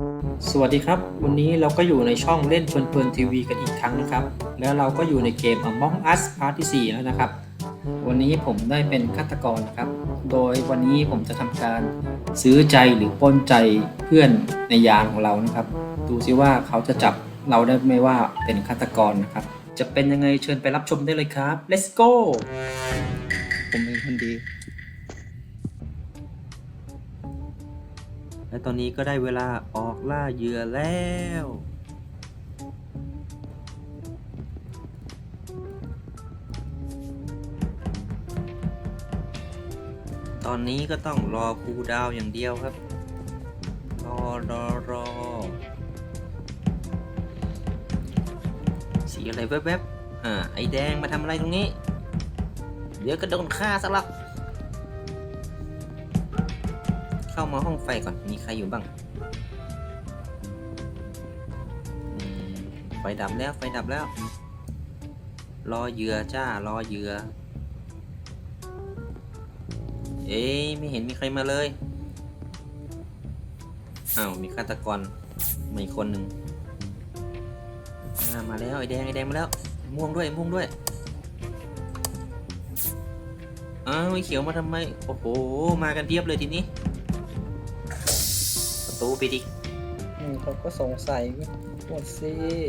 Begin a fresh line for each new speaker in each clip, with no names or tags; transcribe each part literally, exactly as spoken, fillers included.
สวัสดีครับวันนี้เราก็อยู่ในช่องเล่นเพลินๆทีวีกันอีกครั้งนะครับแล้วเราก็อยู่ในเกม Among Us Part ที่สี่แล้วนะครับวันนี้ผมได้เป็นฆาตกรนะครับโดยวันนี้ผมจะทำการซื้อใจหรือปล้นใจเพื่อนในยานของเรานะครับดูซิว่าเขาจะจับเราได้ไหมว่าเป็นฆาตกรนะครับจะเป็นยังไงเชิญไปรับชมได้เลยครับ let's go
ผมเป็นคนดีและตอนนี้ก็ได้เวลาออกล่าเหยื่อแล้ว ตอนนี้ก็ต้องรอคูลดาวน์อย่างเดียวครับ รอรอรอสีอะไรแวบๆอ่าไอแดงมาทำอะไรตรงนี้ เดี๋ยวก็โดนฆ่าซะละเข้ามาห้องไฟก่อนมีใครอยู่บ้างไฟดับแล้วไฟดับแล้ว รอเหยื่อจ้ารอเหยื่อเอ๊ะไม่เห็นมีใครมาเลยอ้าวมีฆาตกรมาอีกคนหนึ่งมาแล้วไอแดงไอแดงมาแล้วม่วงด้วยม่วงด้วยอ้าวไอเขียวมาทำไมโอ้โหมากันเพียบเลยทีนี้ประตูปิดอีก
เขาก็สงสัยหมดสิ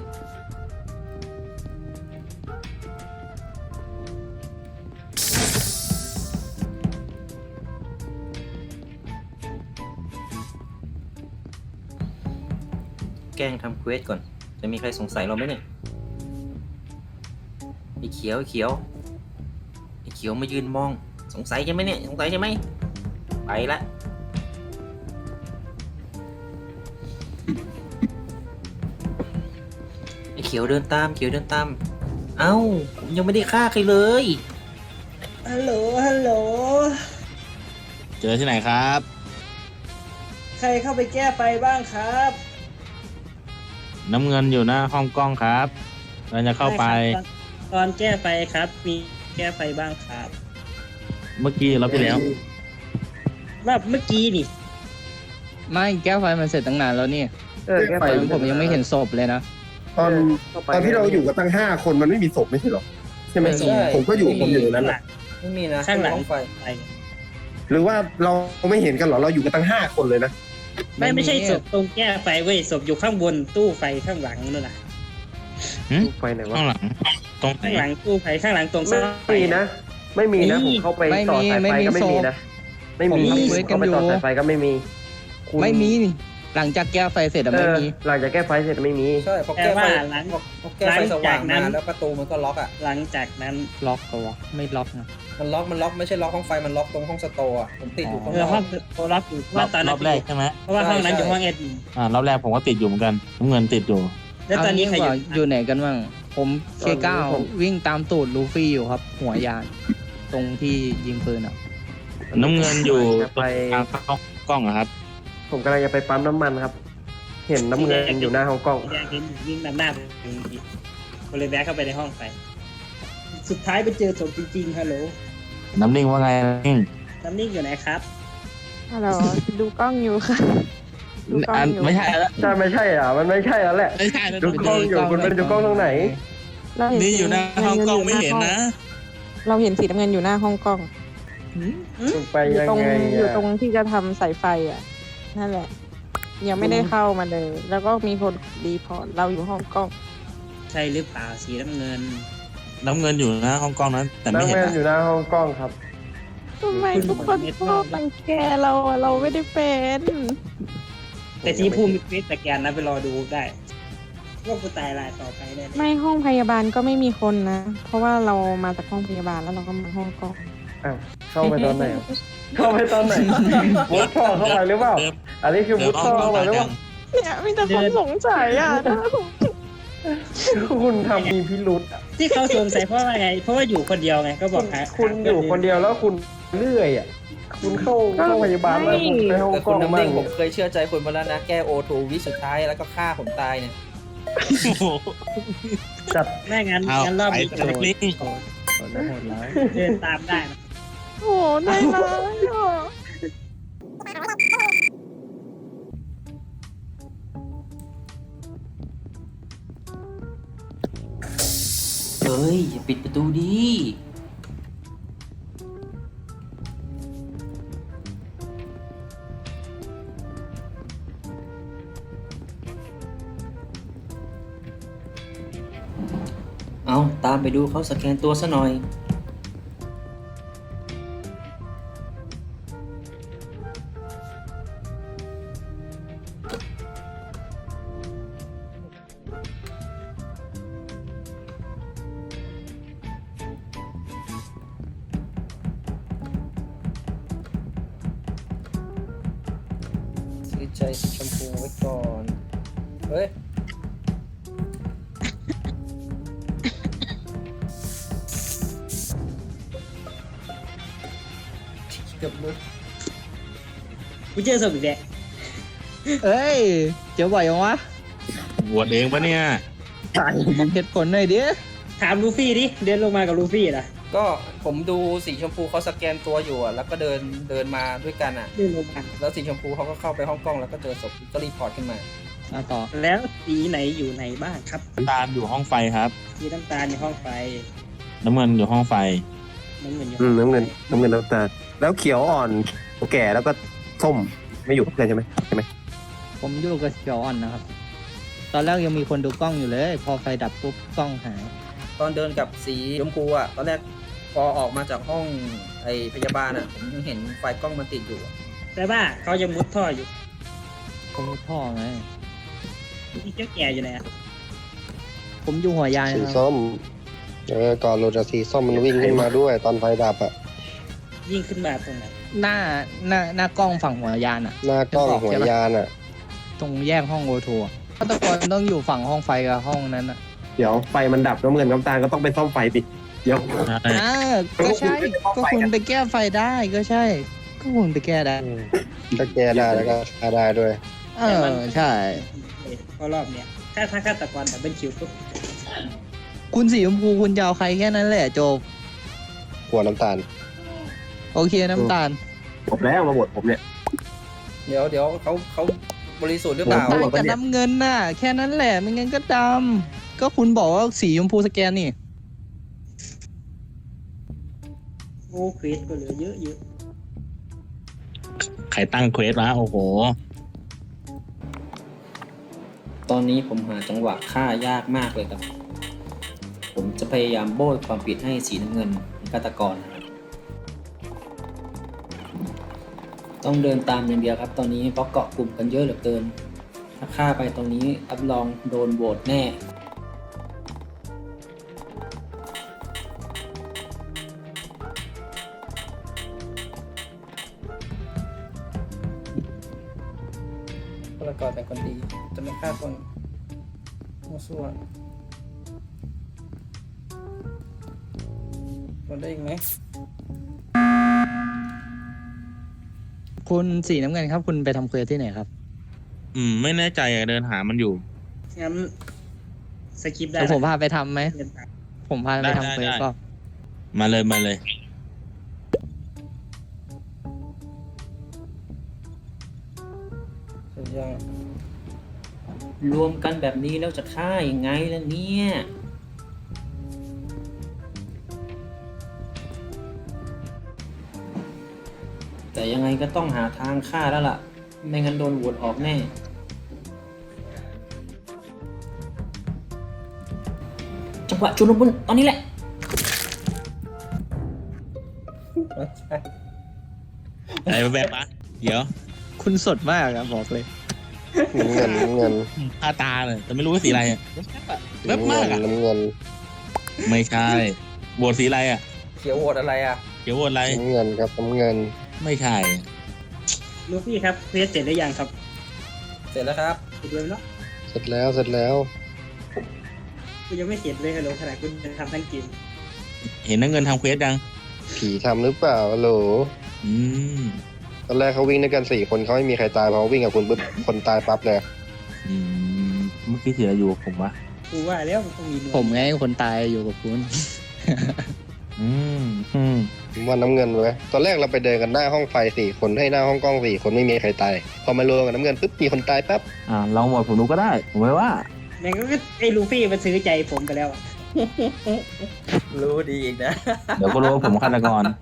แกล้งทำเควสก่อนจะมีใครสงสัยเราไหมเนี่ยไอเขียวไอเขียวไอเขียวมายืนมองสงสัยใช่ไหมเนี่ยสงสัยใช่ไหมไปละไอเขียวเดินตามเขียวเดินตามเอ้าผมยังไม่ได้ฆ่าใครเลย
ฮัลโหลฮัลโหล
เจอที่ไหนครับ
ใครเข้าไปแก้ไฟบ้างครับ
น้ำเงินอยู่หน้าห้องกล้องครับเราจะเข้าไป
ตอนแก้ไฟครับมีแก้ไฟบ้างครับ
เมื่อกี้เราไปแล้ว
ว่าเมื่อกี้นี่
ไม่แก้วไฟมันเสร็จตั้งนานแล้วนี่
เออแก้ไฟ
ผมยังไม่เห็นศพเลยนะ
ตอนตอนที่เราอยู่กับตั้งห้าคนมันไม่มีศพไม่ใช่หรอใช่ไหมผมก็อยู่ผมอยู่นั้นแหละ
ไม่มีนะ
ข้างหลังไฟ
หรือว่าเราไม่เห็นกันหรอเราอยู่กันตั้งห้าคนเลยนะ
ไม่ไม่ใช่ศพตรงแก้ไฟเว้ยศพอยู่ข้างบนตู้ไฟข้างหลังนั่นแหละ
ไฟไหนวะ
ข้างหลังตรงไหน
ข้างหลังตู้ไฟข้างหลังตรงไฟ
ไม่มีนะ ไม่มีนะผมเข้าไปต่อสายไฟก็ไม่มีนะไม่มีเข้าไปต่อสายไฟก็ไม่มี
ไม่มีหลังจากแก้ไฟเสร็จอะไม่มี
หลังจากแก้ไฟเสร็จไม่มี
ใช่พอแก้ไฟหลังพอแก้ไฟสว่างมาแล้วประตูมันก็ล็อกอ่ะ
หลังจากนั้น
ล็อกก็วะไม่ล็อกนะ
มันล็อกมันล็อกไม่ใช่ล็อกห้องไฟมันล็อกตรงห้องสโตร์อ่ะผมติดอยู่ข้างน
เออ
อก
ห้องโทรล็อกอยู่ว่าตอน
ร
นั้
อน บแรกใช่ไหม
เพราะว่าห้องนั้นอยู่ห้องเอ็ด
อ่ารอบแรกผมก็ติดอยู่เหมือนกันน้ำเงินติดอยู่
แล้วตอนนี้ใครอยู่
อยู่ไหนกันบ้างผมเคเก้าวิ่งตามตูดลูฟี่อยู่ครับ หัวยานตรงที่ยิงปืนอ่ะ
น้ำเงินอยู่ตรงทางเข้ากล้องอะครับ
ผมกำลังจะไปปั๊มน้ำมันครับเห็นน้ำเงินอยู่หน้าห้องกล้อง
แดงเห็นวิ่งนำหน้าคนเลยแวะเข้าไปในห้องไฟสุดท้ายไปเจอศพจริงๆฮัลโหล
น้ำนิ่งว่าไงนิ่ง
น้ำนิ่งอยู่ไหนครับ
ฮัลโหลดูกล้องอยู่ค่ะดูกล้องอยู่
ไม่ใช่แล้ว
ใช่ไม่ใช่อ่ะมันไม่ใช่แล้วแหละ
ไม่ใช่
ดูกล้องอยู่คุณเป็นดูกล้องตรงไหน
นี่อยู่หน้าห้องกล้องไม่เห็นนะ
เราเห็นสีน้ำเงินอยู่หน้าห้องกล้อง
ไปยังไง
อยู่ตรงที่จะทำสายไฟอ่ะนั่นแหละยังไม่ได้เข้ามาเลยแล้วก็มีคนรีพอร์ตเราอยู่ห้องกล้อง
ใช่หรือเปล่าสีน้ำเงิน
น้ำเงินอยู่หน้าห้องกล้องนั้นแต่ไม่เห็น
น้ำเงินอยู่หน้าห้องกล้องครับ
ทำไมทุกคนชอบรังแกเราอะเราไม่ได้เป็น
แต่ที่ภูมิเฟสสแกนนะไปรอดูได้ว่ากูตายรายต่อไปแน่
ไม่ห้องพยาบาลก็ไม่มีคนนะเพราะว่าเรามาจากห้องพยาบาลแล้วเราก็มาห้องกล้อง
อ้าวเข้าไปตอนไหนเข้าไปตอนไหนมุดท่อเข้าไปหรือเปล่าอันนี้คือมุดท่อเข้าไปหรือเปล่า
เนี่ยมีแต่คนสงสัยอ่ะ
คุณทำมีพิรุธ
ที่เขาสงสัยเพราะว่าไงเพราะว่าอยู่คนเดียวไงก็บอกหา
คุณอยู่คนเดียวแล้วคุณเลื่อยอ่ะคุณเข้าเข้าพยาบาลแล้วคุณไปห้องกล้องมา
ผมเคยเชื่อใจคุณมาแล้วนะแก้โอทูวิสุดท้ายแล้วก็ฆ่าผมตายเนี่ย
จัด
แม่งั้นงั้นรอบนี้โดนเดินตามได้
โอ้ได้เลย
ฮ้ยอย่าปิดประตูดิเอาตามไปดูเขาสแกนตัวซะหน่อย ซื้อใจสีชมพูไว้ก่อน เฮ้ย เกือบมือ
กูเจอศพอีกแล้ว
เอ้ย เจอบ่อยยังวะ
บวชเองปะเนี่ย
บอกเหตุผลหน่อยดิ
ถามลูฟี่ดิเดินลงมากับลูฟี่ล่ะ
ก็ผมดูสีชมพูเขาสแกนตัวอยู่อะแล้วก็เดินเดินมาด้วยกันอ่ะ
เดินลงมา
แล้วสีชมพูเขาก็เข้าไปห้องกล้องแล้วก็เจอศพก็รีพอร์ตขึ้นมา
อ่ะต่อ
แล้วสีไหนอยู่ไหนบ้างครับ
น้ำตาลอยู่ห้องไฟครับ
สีน้ำตาลในห้องไฟ
น้ำเงินอยู่ห้องไฟ
น้ำเงินอยู่
อืมน้ำเงินน้ำเงินน้ำตาลแล้วเขียวอ่อนแก่แล้วก็ส้มไม่อยู่เพื่อนใช่ไหมใช่ไหม
ผมอยู่กับเขียวอ่อนนะครับ ตอนแรกยังมีคนดูกล้องอยู่เลย พอไฟดับปุ๊บกล้องหาย
ตอนเดินกับสีชมพูอ่ะตอนแรกพอออกมาจากห้องไอพยาบาลอ่ะผมยังเห็นไฟกล้องมันติดอยู่อะ
แต่ว่าเขายังมุดท่ออยู่
ผมท่อไง
อีเจ้าแก่อยู่ไหนอะ
ผมอยู่หัวยาน
สี
ครับ
ส้มเออก่อนโรจากสีส้มมันวิ่งขึ้นมาด้วยตอนไฟดับอะ
ยิ่งขึ้นมาตรงไหน
หน้าหน้าหน้ากล้องฝั่งหัวยานอะ
หน้ากล้องหัวยานอะ
ตรงแยกห้องโอทัวฆาตกรต้องอยู่ฝั่งห้องไฟกับห้องนั้นอะ
เดี๋ยวไฟมันดับน้ำเงินน้ำตาลก็ต้องไปซ่อมไฟดิเดี๋ยว
อ่าก็ใช่ ก็คุณไปแก้ไฟได้ก็ใช่ ก็คุณไปแก้ได้
ถ้าแก้ได้แล้วก็ฆ่าได้ด้วย
เออใช่
เพราะรอบเนี้ยถ้าถ้าฆาตกรดับเบิลคิวปุ๊บ
คุณสีชมพูคุณจะเอาใครแค่นั้นแหละจบ
หัวน้ำตาล
โอเคน้ำตาล
จบแล้วมาหมดผมเนี่ย
เดี๋ยวเดี๋ยวเขาเขาบริสุทธิ์หรือเปล่า
ต่างกับน้ำเงินน่ะ แค่นั้นแหละไม่งั้นก็ดำก็คุณบอกว่าสีชมพูสแกนนี่
โอ้เควสก็เหลือเยอะเยอะ
ใครตั้งเควสวะโอ้โห
ตอนนี้ผมหาจังหวะฆ่ายากมากเลยครับ ผมจะพยายามโบยความผิดให้สีน้ำเงินเป็นฆาตกรนะครับต้องเดินตามอย่างเดียวครับ ตอนนี้เพราะเกาะกลุ่มกันเยอะเหลือเกิน ถ้าฆ่าไปตรงนี้รับรองโดนโหวตแน่ฆาตกรเป็นคนดีจะไม่ฆ่าคนมั่วซั่วคนได้อีกไหม
คุณสีน้ำเงินครับ คุณไปทำเควสที่ไหนครับ
อืม ไม่แน่ใจอะเดินหามันอยู่
งั้นสกิปได้
แล้วผมพาไปทำไหม
เดินตาม
ผมพาไปทำเควส
ได้ได้
ก็
มาเลยมาเลย
เสร็จยังรวมกันแบบนี้แล้วจะฆ่ายังไงล่ะเนี่ย แต่ยังไงก็ต้องหาทางฆ่าแล้วล่ะ ไม่งั้นโดนโหวตออกแน่ จังหวะชุลมุนตอนนี้แหละ
อะไรแบบปะเดี๋ยว
คุณสดมากอะบอกเลย
น้ำเงินน้ำเงิน
ผ้าตาเลยแต่ไม่รู้ว่าสีอะไรอะแวบ
น้ำ
มา
เงิ
ก
น
อะ
น้ำเงิน
ไม่ใช่โหวตสีอะไรอะ
เขียวโหวตอะไรอ่ะ
เดี๋ยวโหวตอะไร
น้ำเงินครับน้ำเงิน
ไม่ใช่อะ
ลูฟี่ครับเควสเสร็จหรือยังครับ
เสร็จแล้วครับ
เสร็จเลยเนาะ
เสร็จแล้วเสร็จแล้ว
กูยังไม่เสร็จเลยฮัลโหลขนาดกูจะทำทั้งเกม
เห็นน้ำเงินทำเควสยัง
ผีทำหรือเปล่าฮัลโหล
อืม
ตอนแรกเขาวิ่งด้วยกันสี่คนเขาไม่มีใครตายพอวิ่งกับคุณปุ๊บคนตายปั๊บเลย
อืมเมื่อกี้สีอะไรอยู่กับผมวะ
กูว่าแล้วมันต้องมีหน่วย
ผมไงคนตายอยู่กับคุณ
อืมอืม
ผมว่าน้ำเงินไว้ยตอนแรกเราไปเดินกันหน้าห้องไฟสี่คนให้หน้าห้องกล้องสี่คนไม่มีใครตายพอมารวมกับน้ำเงินปุ๊บมีคนตายปั๊บ
อ่าลองโหวตผมดูก็ได้ ผมไม่ว่า
แม่งก็ไอ้ลูฟี่มันซื้อใจผมไปแล้วอะ
รู้ดีอีกนะ
เดี๋ยวก็รู้ว่าผมฆาตกร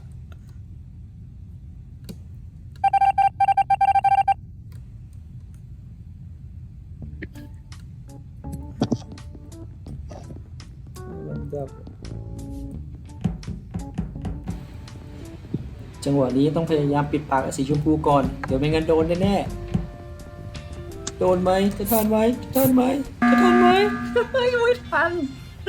จังหวะนี้ต้องพยายามปิดปากไอ้สีชมพูก่อน เดี๋ยวไม่งั้นโดนแน่ๆโดนไหมจะทันไหมจะทันไหมจะทันไหมเฮ้ยไม่ทัน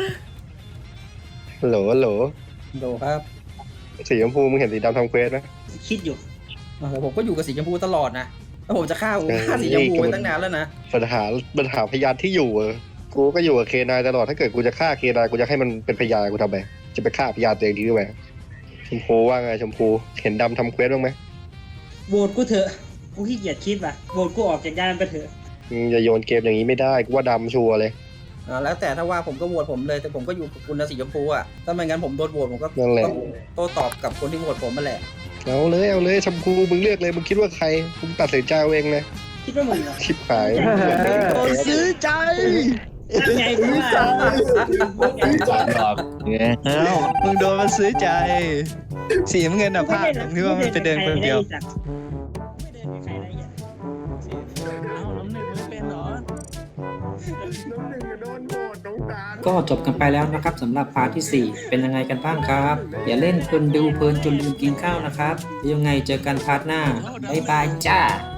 โหลโหล
โดครับ
สีชมพูมึงเห็นสีดำทำเควสไหม
คิดอยู่
โอ้โหผมก็อยู่กับสีชมพูตลอดนะแล้วผมจะฆ่าผม
เออ
ฆ่าสีชมพูไปตั้งนานแล้วนะ
ปัญหาปัญหาพยานที่อยู่เออกูก็อยู่กับเคนายตลอดถ้าเกิดกูจะฆ่าเคนายกูจะให้มันเป็นพยานกูทำไมจะไปฆ่าพยานตัวเองดีหรือไงชมพูว่าไงชมพูเห็นดำทำเควสบ้างไหม
โหวตกูเถอะ กูขี้เกียจคิดว่ะโหวตกูออกจากยานไปเถอะ
มึงอย่าโยนเกมอย่างนี้ไม่ได้กูว่าดำชัวร์เลย
อ่าแล้วแต่ถ้าว่าผมก็โหวตผมเลยแต่ผมก็อยู่กับคุณนะสีชมพูอ่ะถ้าไม่งั้นผมโดนโหวตผมก็
นั่นแหละ
ต้องโต้ตอบกับคนที่โหวตผมมาแหละ
เอาเลยเอาเลยชมพูมึงเลือกเลยมึงคิดว่าใครมึงตัดสินใจเอาเองเลย
คิดว่ามึงเหรอ
ชิบหาย
โดนซื้อใจ
ตั้งใจกูว่าตั้งใจ
หลอกเอ้า
มึงโดนมันซื้อใจ สีน้ำเงินอ่ะพลาดตรงที่ว่ามันไปเดินคนเดียว
ไม่เดินกับใครได้อีก
ก็จบกันไปแล้วนะครับสำหรับพาร์ทที่สี่เป็นยังไงกันบ้างครับ อย่าเล่นเพลินดูเพลินจนลืมกินข้าวนะครับยังไงเจอกันพาร์ทหน้าบ๊ายบายจ้า